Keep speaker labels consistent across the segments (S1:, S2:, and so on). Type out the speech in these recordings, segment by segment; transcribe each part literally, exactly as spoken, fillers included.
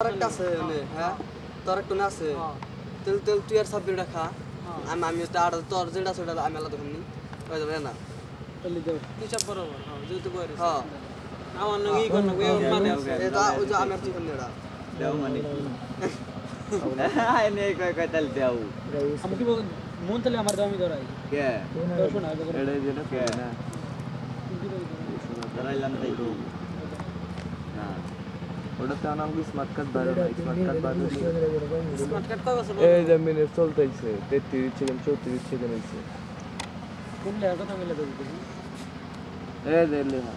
S1: একটা আছে ওনে হ্যাঁ তোর একটু না আছে তেল তেল তুই আর সাব্বির রাখা আমি আমি তো আর তোর যেটা সেটা আমি আলাদা দেখুন হয়ে যাবে না
S2: চলে যাও হিসাব বরাবর হ্যাঁ যেহেতু বয়স
S1: হ্যাঁ
S2: আমার নগি কোন নগি মানে
S1: এটা ওই যে আমি আর তুই কোন নেড়া
S3: দেও মানে আই নেই কই কই তাল দেও
S2: আমি কি বল মন তাহলে আমার দামি ধরাই
S3: কে
S2: তো শোনা
S3: এড়ে যেটা কে না ধরাইলাম তাই তো না
S4: ওটাতে আনাম কি স্মার্ট কার্ড বাইরে না স্মার্ট কার্ড বাইরে
S2: স্মার্ট কার্ড কয় বছর
S4: এই যে মিনিট চলতেছে তেত্রিশ সেকেন্ড চৌত্রিশ সেকেন্ড হইছে
S2: কোন লেয়ার কথা বলে দেব
S4: এই যে লেহা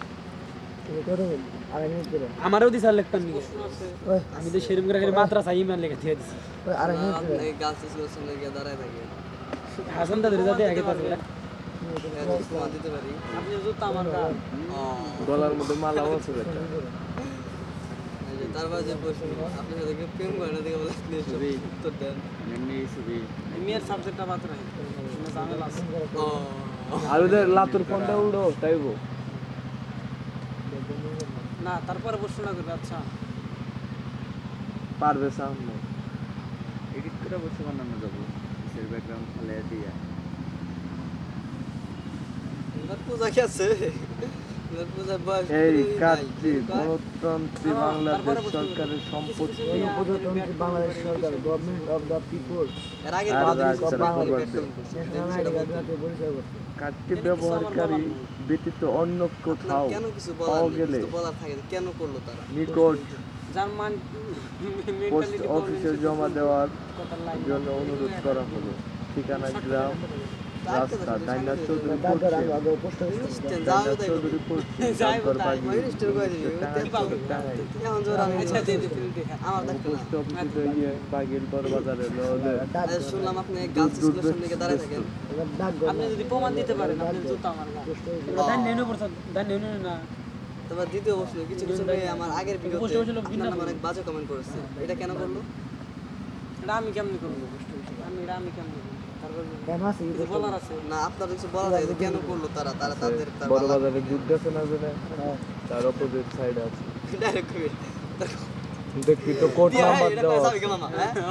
S2: আমারও দিছার লিখতাম নি আমি তো সেরকম করে মাত্রা চাই মান লেখা দিয়ে দিছি
S1: এই গাছ স্কুলের সামনে গিয়ে দাঁড়ায় থাকে
S2: হাসান দাদের যাতে আগে পাবে
S1: তোমার দিতে পারি
S2: আপনি জুতা আমার গাল
S4: গলার মধ্যে মালাও আছে বেটা
S1: এই যে তারপর যে প্রশ্ন আপনার সাথে কেউ প্রেম করে না দেখে বলে
S3: ছবি
S1: উত্তর দেন
S3: এমনি ছবি
S2: মেয়ের সাবজেক্টটা বাদ রাখি ঝামেলা আছে
S1: ও
S4: আর ওদের লাতুর ফোনটা উড়ো তাইবো
S2: না তারপরে প্রশ্ন না করবে আচ্ছা
S4: পারবে সামনে
S3: এডিট করে বসে বানানো যাবো কিসের ব্যাকগ্রাউন্ড ফেলে দিয়া
S1: এবার পূজা কি আছে এবার পূজা বয়স
S4: এই কাজটি গণতন্ত্রী বাংলাদেশ সরকারের সম্পত্তি
S5: গণপ্রজাতন্ত্রী বাংলাদেশ সরকার গভর্নমেন্ট অফ দ্য পিপল
S1: এর আগে
S4: আর
S1: বাদ
S4: রাজ
S1: দিয়েছে
S4: চালাতে
S1: বাংলা
S4: পারবে।
S1: পেট্রোল
S5: ন্যাশনাল আইডি কার্ড পরিচয় করতে
S4: কার্ডটি ব্যবহারকারী ব্যতীত অন্য কোথাও
S1: কেন কিছু
S4: পাওয়া
S1: বলার নেই,
S4: গেলে
S1: কিছু বলার থাকে না, কেন করলো তারা
S4: নিকট
S2: জার্মান
S4: পোস্ট
S2: মেন্টালিটি
S4: অফিসে জমা দেওয়ার
S2: কথা লাইন
S4: জন্য অনুরোধ করা হলো ঠিকানা গ্রাম রাস্তা ডাইনার চৌধুরী
S5: তারপর আমি
S4: পশ্চিম
S5: আগে পোস্ট অফিস
S1: যাও
S4: ডাইনার
S1: তাই
S4: চৌধুরী পশ্চিম
S2: যাই
S4: ডাকঘর
S2: তাই,
S4: বাগিয়ে
S1: মিনিস্টার কই দিবি
S4: টাঙ্গাইল
S1: এখন জোর আমি
S2: আচ্ছা দিয়ে দিই ফিল্ম দেখা
S1: আমার দেখো না
S4: পোস্ট অফিসে গিয়ে বাগের বড় বাজারে ললে
S5: ডাক
S1: আজ শুনলাম আপনি গার্লস স্কুলের সামনে গিয়ে দাঁড়ায় থাকেন
S5: এবার ডাক
S2: আপনি যদি প্রমাণ দিতে পারেন আপনি জুতা আমার গাল দান নেনো পড়ছ দান নেনো না
S1: তারপর দ্বিতীয় প্রশ্ন কিছু কিছু মেয়ে আমার আগের ভিডিওতে
S2: বসে বসে লোক
S1: আপনার
S2: বিনা
S1: নামে অনেক বাজে কমেন্ট করেছে এটা কেন করলো
S2: এটা আমি কেমনি করব আমি এটা আমি কেমনি করব তারপর
S5: কেন আছে কি
S2: কিছু বলার আছে
S1: না আপনার কিছু বলা যায় যে কেন করলো তারা তারা তাদের তার
S4: বড় বাজারে দুধ গেছে না জানে তার অপোজিট সাইড আছে
S1: ডাইরেক্ট কই
S4: দেখবি তো কোড নাম্বার
S1: এটা
S4: দেওয়া
S1: কই যাবে মামা হ্যাঁ